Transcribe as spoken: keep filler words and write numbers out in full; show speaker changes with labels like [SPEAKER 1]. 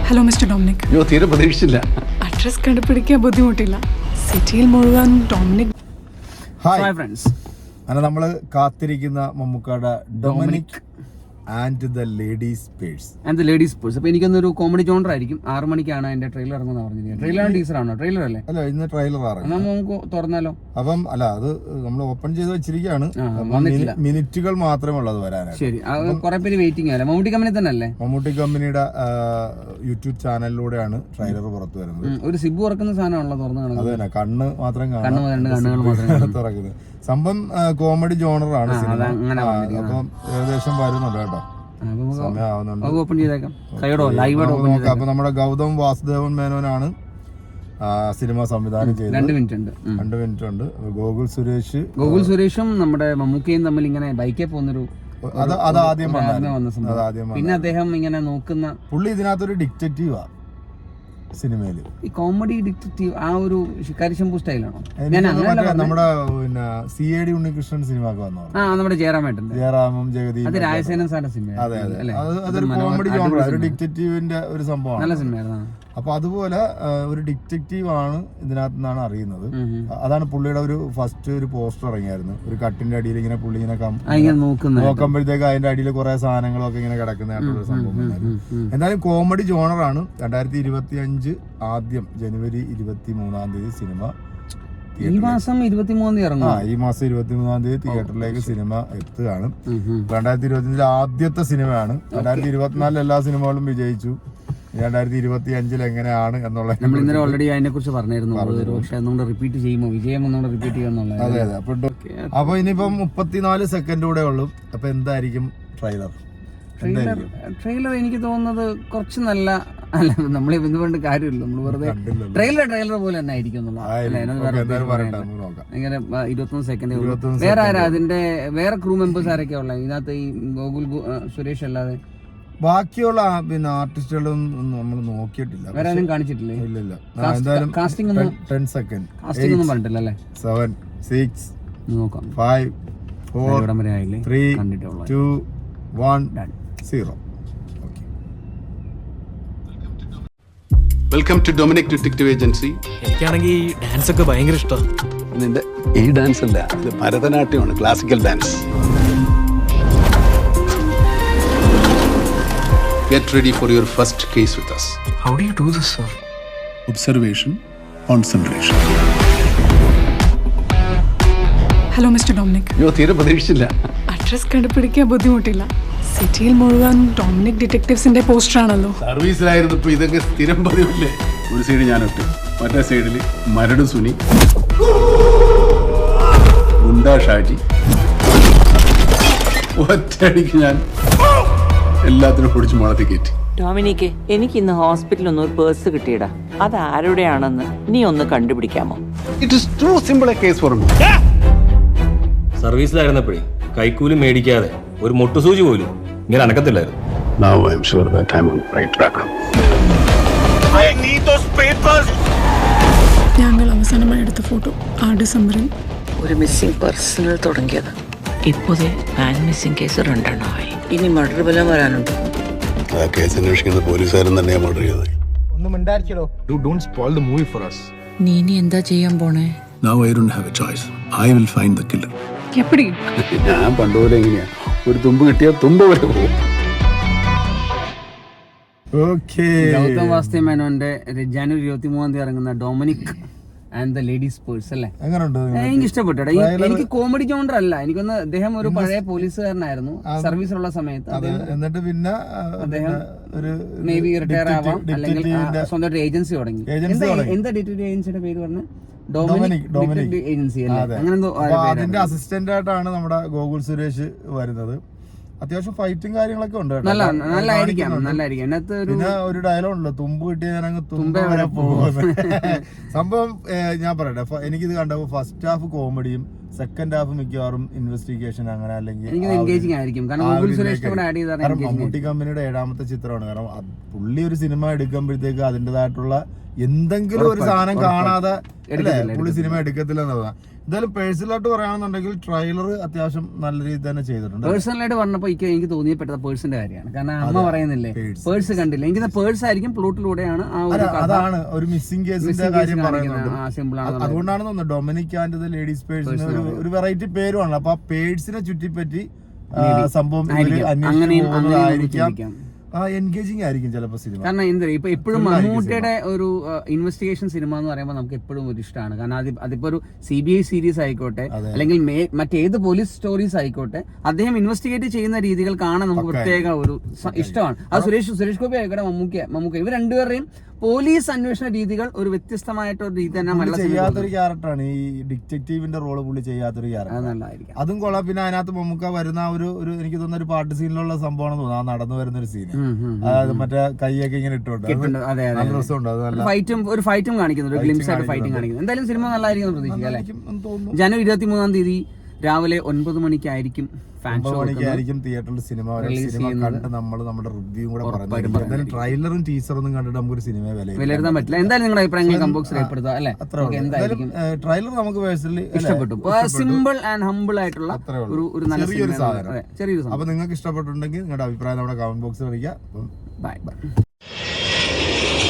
[SPEAKER 1] Hello mister Dominic.
[SPEAKER 2] അയ്യോ തീരെ പ്രതീക്ഷിച്ചില്ല.
[SPEAKER 1] അഡ്രസ് കണ്ടുപിടിക്കാൻ ബുദ്ധിമുട്ടില്ല. സിറ്റിയിൽ മുഴുവൻ ഡൊമിനിക്.
[SPEAKER 3] ഹായ് ഫ്രണ്ട്സ്, അങ്ങനെ നമ്മൾ കാത്തിരിക്കുന്ന മമ്മൂക്കാടെ Dominic and the ladies purse
[SPEAKER 4] and the ladies purse. അപ്പോൾ എനിക്കൊന്നൊരു കോമഡി ജോണർ ആയിരിക്കും. ആറ് മണിക്കാണ് അതിന്റെ ട്രെയിലർ ഇറങ്ങുന്ന പറഞ്ഞത്. ട്രെയിലറാണ് ടീസറാണോ? ട്രെയിലർ അല്ലേ?
[SPEAKER 3] അല്ല, ഇന്ന് ട്രെയിലർ ഇറങ്ങും.
[SPEAKER 4] നമുക്ക് തുറന്നാലോ?
[SPEAKER 3] അപ്പം അല്ല, അത് നമ്മൾ ഓപ്പൺ ചെയ്ത് വെച്ചിരിക്കുകയാണ്. മിനിറ്റുകൾ മാത്രമേ ഉള്ളത് വരാനായിട്ട്.
[SPEAKER 4] ശരി, കുറെ പേര് വെയിറ്റിംഗ് അല്ലേ? മമ്മൂട്ടി കമ്പനി തന്നെ അല്ലേ?
[SPEAKER 3] മമ്മൂട്ടി കമ്പനിയുടെ യൂട്യൂബ് ചാനലിലൂടെയാണ് ട്രെയിലർ പുറത്തു വരുന്നത്.
[SPEAKER 4] ഒരു സിബ് തുറക്കുന്ന സാധനമാണല്ലോ തുറന്നു കാണുന്നത്.
[SPEAKER 3] അത് തന്നെ, കണ്ണ് മാത്രം
[SPEAKER 4] കാണാൻ
[SPEAKER 3] തുറക്കുന്നത്. സംഭവം കോമഡി ജോണറാണ് സിനിമ. അപ്പം ഏകദേശം വരുന്നുണ്ട് കേട്ടോ. അപ്പൊ നമ്മുടെ ഗൗതം വാസുദേവൻ മേനോനാണ് സിനിമ സംവിധാനം ചെയ്തത്.
[SPEAKER 4] രണ്ട് മിനിറ്റ് ഉണ്ട്
[SPEAKER 3] രണ്ട് മിനിറ്റ് ഉണ്ട് ഗോകുൽ സുരേഷ്
[SPEAKER 4] ഗോകുൽ സുരേഷും നമ്മുടെ മമ്മൂക്കയും തമ്മിൽ ഇങ്ങനെ ബൈക്കിൽ പോകുന്നൊരു
[SPEAKER 3] അത് അത് ആദ്യം വന്ന സംഭവം.
[SPEAKER 4] പിന്നെ അദ്ദേഹം ഇങ്ങനെ നോക്കുന്ന
[SPEAKER 3] പുള്ളി ഇതിനകത്തൊരു ഡിറ്റക്റ്റീവാ സിനിമയില്.
[SPEAKER 4] ഈ കോമഡി ഡിറ്റക്റ്റീവ് ആ ഒരു ശിക്കാരി ശംഭു സ്റ്റൈലാണോ?
[SPEAKER 3] നമ്മുടെ പിന്നെ സി എ ഡി ഉണ്ണികൃഷ്ണൻ സിനിമക്ക് വന്നു.
[SPEAKER 4] ആ, നമ്മുടെ ജയറാമേട്ടൻ,
[SPEAKER 3] ജയറാമും ജഗദീപ്,
[SPEAKER 4] അത് രാജസേനൻ സാറിന്റെ സിനിമ.
[SPEAKER 3] അതെ അതെ, അതൊരു കോമഡി ജോണർ, ഒരു ഡിറ്റക്റ്റീവിന്റെ ഒരു സംഭവമാണ്.
[SPEAKER 4] നല്ല സിനിമയായിരുന്നു.
[SPEAKER 3] അപ്പൊ അതുപോലെ ഒരു ഡിറ്റക്റ്റീവ് ആണ് ഇതിനകത്ത് നിന്നാണ് അറിയുന്നത്. അതാണ് പുള്ളിയുടെ ഒരു ഫസ്റ്റ് ഒരു പോസ്റ്റർ ഇറങ്ങിയായിരുന്നു. ഒരു കട്ടിന്റെ അടിയിൽ ഇങ്ങനെ പുള്ളി ഇങ്ങനെ നോക്കുമ്പോഴത്തേക്ക് അതിന്റെ അടിയിൽ കുറെ സാധനങ്ങളൊക്കെ ഇങ്ങനെ കിടക്കുന്നതായിട്ടുള്ള സംഭവം. എന്തായാലും കോമഡി ജോണറാണ്. രണ്ടായിരത്തി ഇരുപത്തി അഞ്ച് ആദ്യം ജനുവരി ഇരുപത്തി മൂന്നാം തീയതി സിനിമ
[SPEAKER 4] ഈ മാസം ഇരുപത്തിമൂന്നാം തീയതി ഇറങ്ങും.
[SPEAKER 3] ആ ഈ മാസം ഇരുപത്തി മൂന്നാം തീയതി തിയേറ്ററിലേക്ക് സിനിമ എത്തുകയാണ്. രണ്ടായിരത്തി ഇരുപത്തി അഞ്ചിലെ ആദ്യത്തെ സിനിമയാണ്. രണ്ടായിരത്തി ഇരുപത്തിനാലിൽ എല്ലാ സിനിമകളും വിജയിച്ചു. രണ്ടായിരത്തി ഇരുപത്തി അഞ്ചിൽ എങ്ങനെയാണ് എന്നുള്ളത്
[SPEAKER 4] നമ്മൾ ഇന്നലെ ഓൾറെഡി അതിനെ കുറിച്ച് പറഞ്ഞിരുന്നു. പക്ഷെ ഒന്നുകൂടെ റിപ്പീറ്റ് ചെയ്യുമോ, വിജയം ഒന്നുകൂടെ റിപ്പീറ്റ് ചെയ്യുമെന്നുള്ളത്.
[SPEAKER 3] അതെ അതെ. അപ്പൊ അപ്പൊ ഇനിയിപ്പം മുപ്പത്തിനാല് സെക്കൻഡ് കൂടെ ഉള്ളൂ. അപ്പൊ എന്തായിരിക്കും ട്രെയിലർ?
[SPEAKER 4] ട്രെയിലർ ട്രെയിലർ എനിക്ക് തോന്നുന്നത് കുറച്ച് നല്ല അല്ല, നമ്മൾ എന്തുകൊണ്ട് കാര്യമില്ല, നമ്മൾ വെറുതെ ട്രെയിലർ ട്രെയിലർ പോലെ തന്നെ ആയിരിക്കും ഇങ്ങനെ ഇരുപത്തൊന്ന് സെക്കൻഡ്. വേറെ ആരാ അതിന്റെ വേറെ ക്രൂ മെമ്പേഴ്സ് ആരൊക്കെയാ ഉള്ളത് ഇതിനകത്ത്? ഈ ഗോകുൽ സുരേഷ് അല്ലാതെ
[SPEAKER 3] ബാക്കിയുള്ള പിന്നെ ആർട്ടിസ്റ്റുകളും നമ്മൾ നോക്കിയിട്ടില്ല.
[SPEAKER 4] വേറെ ആരും കാണിച്ചിട്ടില്ലേ?
[SPEAKER 3] ഇല്ലില്ല.
[SPEAKER 4] കാസ്റ്റിംഗ് ഒന്നും
[SPEAKER 3] ടെൻ സെക്കൻഡ്
[SPEAKER 4] കാസ്റ്റിംഗ് ഒന്നും പറഞ്ഞിട്ടില്ല അല്ലേ?
[SPEAKER 3] സെവൻ സിക്സ്
[SPEAKER 4] നോക്കാം.
[SPEAKER 3] Five four three two one zero.
[SPEAKER 2] Welcome to Dominic detective agency.
[SPEAKER 5] എനിക്കാണെങ്കിൽ ഈ ഡാൻസ് ഒക്കെ ഭയങ്കര ഇഷ്ടമാണ്.
[SPEAKER 2] നിന്റെ ഈ ഡാൻസ് അല്ല, ഇത് ഭരതനാട്യമാണ്, classical dance. Get ready for your first case with us.
[SPEAKER 5] How do you do this, sir?
[SPEAKER 2] Observation, concentration.
[SPEAKER 1] Hello mister Dominic.
[SPEAKER 2] അയ്യോ തീരെ പ്രതീക്ഷിച്ചില്ല.
[SPEAKER 1] അഡ്രസ് കണ്ടുപിടിക്കാൻ ബുദ്ധിമുട്ടില്ല. സിറ്റിയിൽ മുഴുവൻ ഡൊമിനിക് ഡിറ്റക്റ്റീവ്സിന്റെ പോസ്റ്റർ ആണല്ലോ.
[SPEAKER 2] സർവീസിലായിരുന്നപ്പോ ഇതൊക്കെ സ്ഥിരം പതിവില്ലേ? ഒരു സൈഡ് ഞാനൊട്ട്, മറ്റേ സൈഡിൽ മരട് സുനി, ഗുണ്ടാ ഷാജി. ഒറ്റയടിക്ക് ഞാൻ എല്ലാത്തിനും പൊടിച്ച് മുളത്തി കയറ്റി.
[SPEAKER 6] ഡൊമിനിക്ക്, എനിക്ക് ഇന്ന് ഹോസ്പിറ്റലിൽ ഒന്ന് ഒരു പേഴ്സ് കിട്ടിയടാ. അത് ആരുടെയാണെന്ന് നീ ഒന്ന് കണ്ടുപിടിക്കാമോ?
[SPEAKER 2] It is too simple a case for me.
[SPEAKER 5] സർവീസിലായിരുന്നപ്പോഴേ കൈക്കൂലി മേടിക്കാതെ ഒരു മുട്ടുസൂചി പോലും ഇങ്ങനെ അനക്കത്തില്ലായിരുന്നു.
[SPEAKER 2] Now I am sure that I'm on the right track.
[SPEAKER 5] I need those papers.
[SPEAKER 1] ഞങ്ങൾ അവസാനമായി എടുത്ത ഫോട്ടോ ആ ഡിസംബറിൽ
[SPEAKER 6] ഒരു മിസ്സിംഗ് പേഴ്സണൽ തുടങ്ങിയത് ഇപ്പോഴേ പാൻ മിസ്സിംഗ് കേസ് രണ്ടെണ്ണമായി. ഇനി മർഡർ ബലം വരാനുണ്ട്.
[SPEAKER 2] ആ കേസ് അന്വേഷിക്കുന്ന പോലീസുകാരൻ തന്നെയാണ് മർഡർ ചെയ്തത്.
[SPEAKER 7] ഒന്നും മിണ്ടായിരിക്കലോ. You don't spoil the movie for us.
[SPEAKER 6] നീ ഇനി എന്താ ചെയ്യാൻ പോണേ?
[SPEAKER 2] Now I don't have a choice. I will find the killer.
[SPEAKER 1] എപ്പടി?
[SPEAKER 2] ഞാൻ പണ്ടുപോലെ എങ്ങനെയാ, ഒരു തുമ്പ് കിട്ടിയാൽ തുമ്പ് വരെ പോകും.
[SPEAKER 4] ഗൗതം വാസുദേവൻ മേനോന്റെ ജനുവരി ഇരുപത്തി മൂന്നാം തീയതി ഇറങ്ങുന്ന Dominic and the ladies purse അല്ലേ? എനിക്ക് ഇഷ്ടപ്പെട്ടു. എനിക്ക് കോമഡി ജോണർ അല്ല, എനിക്കൊന്ന് അദ്ദേഹം ഒരു പഴയ പോലീസുകാരനായിരുന്നു സർവീസിലുള്ള സമയത്ത്.
[SPEAKER 3] എന്നിട്ട് പിന്നെ
[SPEAKER 4] അദ്ദേഹം ഒരു മേ ബി റിട്ടയർ ആവാം, അല്ലെങ്കിൽ സ്വന്തമായിട്ട് ഏജൻസി തുടങ്ങി. എന്താ ഡിറ്റക്റ്റീവ് ഏജൻസിയുടെ പേര് പറഞ്ഞ? ഡൊമിനിക് ഏജൻസി അല്ലേ? അങ്ങനെ
[SPEAKER 3] അതിന്റെ അസിസ്റ്റന്റ് ആയിട്ടാണ് നമ്മുടെ ഗോകുൽ സുരേഷ് വരുന്നത്. അത്യാവശ്യം ഫൈറ്റും കാര്യങ്ങളൊക്കെ ഉണ്ട്. പിന്നെ ഒരു ഡയലോഗ് ഉണ്ടല്ലോ, തുമ്പ് കിട്ടിയ ഞാൻ അങ്ങ് തുമ്പ വരെ പോകും. സംഭവം ഞാൻ പറയട്ടെ, എനിക്കിത് കണ്ടപ്പോ ഫസ്റ്റ് ഹാഫ് കോമഡിയും സെക്കൻഡ് ഹാഫ് മിക്കവാറും ഇൻവെസ്റ്റിഗേഷൻ അങ്ങനെ അല്ലെങ്കിൽ
[SPEAKER 4] എനിക്ക്
[SPEAKER 3] ആ ഒരു-
[SPEAKER 4] എൻഗേജിങ് ആയിരിക്കും കാരണം
[SPEAKER 3] ആ ഒരു
[SPEAKER 4] ഗോകുൽ സുരേഷ്
[SPEAKER 3] ഇതിലേക്ക്
[SPEAKER 4] കൂടെ ആഡ് ചെയ്താൽ
[SPEAKER 3] കാരണം മമ്മൂട്ടി കമ്പനിയുടെ ഏഴാമത്തെ ചിത്രമാണ്. കാരണം അത് പുള്ളി ഒരു സിനിമ എടുക്കുമ്പോഴത്തേക്ക് അതിൻ്റെതായിട്ടുള്ള എന്തെങ്കിലും ഒരു സാധനം കാണാതെ അല്ലേ പുള്ളി സിനിമ എടുക്കത്തില്ല എന്നുള്ളതാണ്. എന്തായാലും പേഴ്സണലായിട്ട് പറയുകയാണെന്നുണ്ടെങ്കിൽ ട്രെയിലർ അത്യാവശ്യം നല്ല രീതിയിൽ തന്നെ ചെയ്തിട്ടുണ്ട്.
[SPEAKER 4] പേഴ്സണലായിട്ട് പറഞ്ഞപ്പോൾ എനിക്ക് എനിക്ക് തോന്നിയപ്പെട്ടത് പേഴ്സിന്റെ കാര്യമാണ്. കാരണം അമ്മ പറയുന്നില്ലേ
[SPEAKER 3] Purse.
[SPEAKER 4] പേഴ്സ് കണ്ടില്ല, എനിക്ക് പേഴ്സ് ആയിരിക്കും പ്ലോട്ടിലൂടെയാണ് ആ ഒരു
[SPEAKER 3] അല്ല,
[SPEAKER 4] കഥ.
[SPEAKER 3] അതാണ് ഒരു മിസ്സിംഗ് കേസിന്റെ
[SPEAKER 4] Missing
[SPEAKER 3] കാര്യം
[SPEAKER 4] case
[SPEAKER 3] പറയുന്നുണ്ട്.
[SPEAKER 4] കാണിക്കുന്ന, ആ, simple ആണെന്നുള്ളത്.
[SPEAKER 3] അതുകൊണ്ടാണ് തോന്നുന്നത് ഡൊമിനിക് ആൻഡ് ലേഡീസ് പേഴ്സിന് ഒരു ഒരു വെറൈറ്റി പേരുമാണ്. അപ്പൊ ആ പേഴ്സിനെ ചുറ്റിപ്പറ്റി ആ, സംഭവം ഇവര്
[SPEAKER 4] ആയിരിക്കാം.
[SPEAKER 3] അന്വേഷിച്ച്
[SPEAKER 4] അങ്ങനെയും അങ്ങനെയും
[SPEAKER 3] പോകുന്നതായിരിക്കാം.
[SPEAKER 4] ചിന്തിക്കാം.
[SPEAKER 3] എൻഗേജിങ് ആയിരിക്കും ചിലപ്പോൾ സിനിമ.
[SPEAKER 4] കാരണം എന്താ ഇപ്പൊ എപ്പോഴും
[SPEAKER 3] Full ആയിരിക്കും
[SPEAKER 4] മമ്മൂട്ടിയുടെ ഒരു ഇൻവെസ്റ്റിഗേഷൻ സിനിമ എന്ന് പറയുമ്പോൾ നമുക്ക് എപ്പോഴും ഒരു ഇഷ്ടമാണ്. കാരണം അത് അതിപ്പോ ഒരു സി ബി ഐ സീരീസ് ആയിക്കോട്ടെ
[SPEAKER 3] അതെ.
[SPEAKER 4] അല്ലെങ്കിൽ മേ- മറ്റേത് പോലീസ് സ്റ്റോറീസ് ആയിക്കോട്ടെ, അദ്ദേഹം ഇൻവെസ്റ്റിഗേറ്റ് ചെയ്യുന്ന രീതികൾ കാണാൻ നമുക്ക് പ്രത്യേക ഒരു സ- ഇഷ്ടമാണ്. അത് സുരേഷ് സുരേഷ് ഗോപി ആയിക്കോട്ടെ, മമ്മൂക്ക മമ്മൂക്ക ഇവർ രണ്ടുപേരുടെയും പോലീസ് അന്വേഷണ രീതികൾ ഒരു വ്യത്യസ്തമായിട്ടൊരു രീതി തന്നെ
[SPEAKER 3] പുള്ളി
[SPEAKER 4] മലയാള സിനിമയിൽ
[SPEAKER 3] ചെയ്യാത്തൊരു ക്യാരക്ടറാണ് ഈ ഡിറ്റക്റ്റീവിന്റെ റോള് പുള്ളി ചെയ്യാത്തൊരു
[SPEAKER 4] അത്
[SPEAKER 3] ക്യാരക്ടർ.
[SPEAKER 4] നല്ലതായിരിക്കും.
[SPEAKER 3] അതും കൊള്ളാം. പിന്നെ അതിനകത്ത് മമ്മൂക്ക വരുന്ന ആ ഒരു ഒരു എനിക്ക് തോന്നുന്ന ഒരു പാട്ട് സീനിലുള്ള സംഭവമാണെന്ന് തോന്നുന്നു. ആ നടന്നു വരുന്ന ഒരു സീന്,
[SPEAKER 4] ഉം, ഉം, ഉം.
[SPEAKER 3] അതായത് മറ്റേ കൈയൊക്കെ ഇങ്ങനെ ഇട്ടോണ്ട് അത്
[SPEAKER 4] കിട്ടുന്നുണ്ട്. അതെ അതെ
[SPEAKER 3] നല്ല രസമുണ്ട്. അത് നല്ല
[SPEAKER 4] ഫൈറ്റും ഒരു ഫൈറ്റും കാണിക്കുന്നു, ഒരു
[SPEAKER 3] Fighting
[SPEAKER 4] ഗ്ലിംസ് ആയിട്ട് ഫൈറ്റിംഗ്
[SPEAKER 3] കാണിക്കുന്നുണ്ട്.
[SPEAKER 4] കാണിക്കുന്നു. എന്തായാലും സിനിമ നല്ലതായിരിക്കും എന്ന് പ്രതീക്ഷിക്കാം അല്ലേ?
[SPEAKER 3] നല്ലതായിരിക്കും എന്ന് തോന്നുന്നു.
[SPEAKER 4] ജനുവരി ഇരുപത്തി മൂന്നാം തീയതി രാവിലെ ഒൻപത് മണിക്കായിരിക്കും ഫാൻ
[SPEAKER 3] ഒമ്പത്
[SPEAKER 4] ഷോ
[SPEAKER 3] മണിക്കായിരിക്കും തിയേറ്ററിൽ സിനിമ വരെ.
[SPEAKER 4] Release
[SPEAKER 3] സിനിമ
[SPEAKER 4] ചെയ്യുന്നത്.
[SPEAKER 3] കണ്ട് നമ്മൾ നമ്മുടെ റിവ്യൂ കൂടെ
[SPEAKER 4] ഉറപ്പായിട്ടും
[SPEAKER 3] പറഞ്ഞു. എന്തായാലും
[SPEAKER 4] പറയുന്നതായിരിക്കും.
[SPEAKER 3] ട്രെയിലറും ടീസറൊന്നും കണ്ടിട്ട് നമുക്കൊരു സിനിമയെ
[SPEAKER 4] വിലയിരുത്താൻ പറ്റില്ല. എന്തായാലും നിങ്ങളുടെ അഭിപ്രായങ്ങൾ കമ്പോക്സ് രേഖപ്പെടുത്തുക അല്ലേ?
[SPEAKER 3] അത്ര
[SPEAKER 4] ഓക്കേ, എന്തായിരിക്കും
[SPEAKER 3] ട്രെയിലർ നമുക്ക് പേഴ്സണലി
[SPEAKER 4] ഇഷ്ടപ്പെട്ടു. സിമ്പിൾ ആൻഡ് ഹമ്പിൾ ആയിട്ടുള്ള
[SPEAKER 3] അത്രേ ഉള്ളൂ.
[SPEAKER 4] ഒരു ഒരു നല്ല
[SPEAKER 3] ചെറിയൊരു
[SPEAKER 4] സിനിമ.
[SPEAKER 3] സാധനം.
[SPEAKER 4] അതെ, ചെറിയൊരു
[SPEAKER 3] അപ്പൊ
[SPEAKER 4] സാധനം.
[SPEAKER 3] നിങ്ങൾക്ക് ഇഷ്ടപ്പെട്ടിട്ടുണ്ടെങ്കിൽ നിങ്ങളുടെ അഭിപ്രായം നമ്മുടെ കമന്റ് ബോക്സിൽ അറിയിക്കുക. അപ്പം
[SPEAKER 4] ബൈ ബൈ.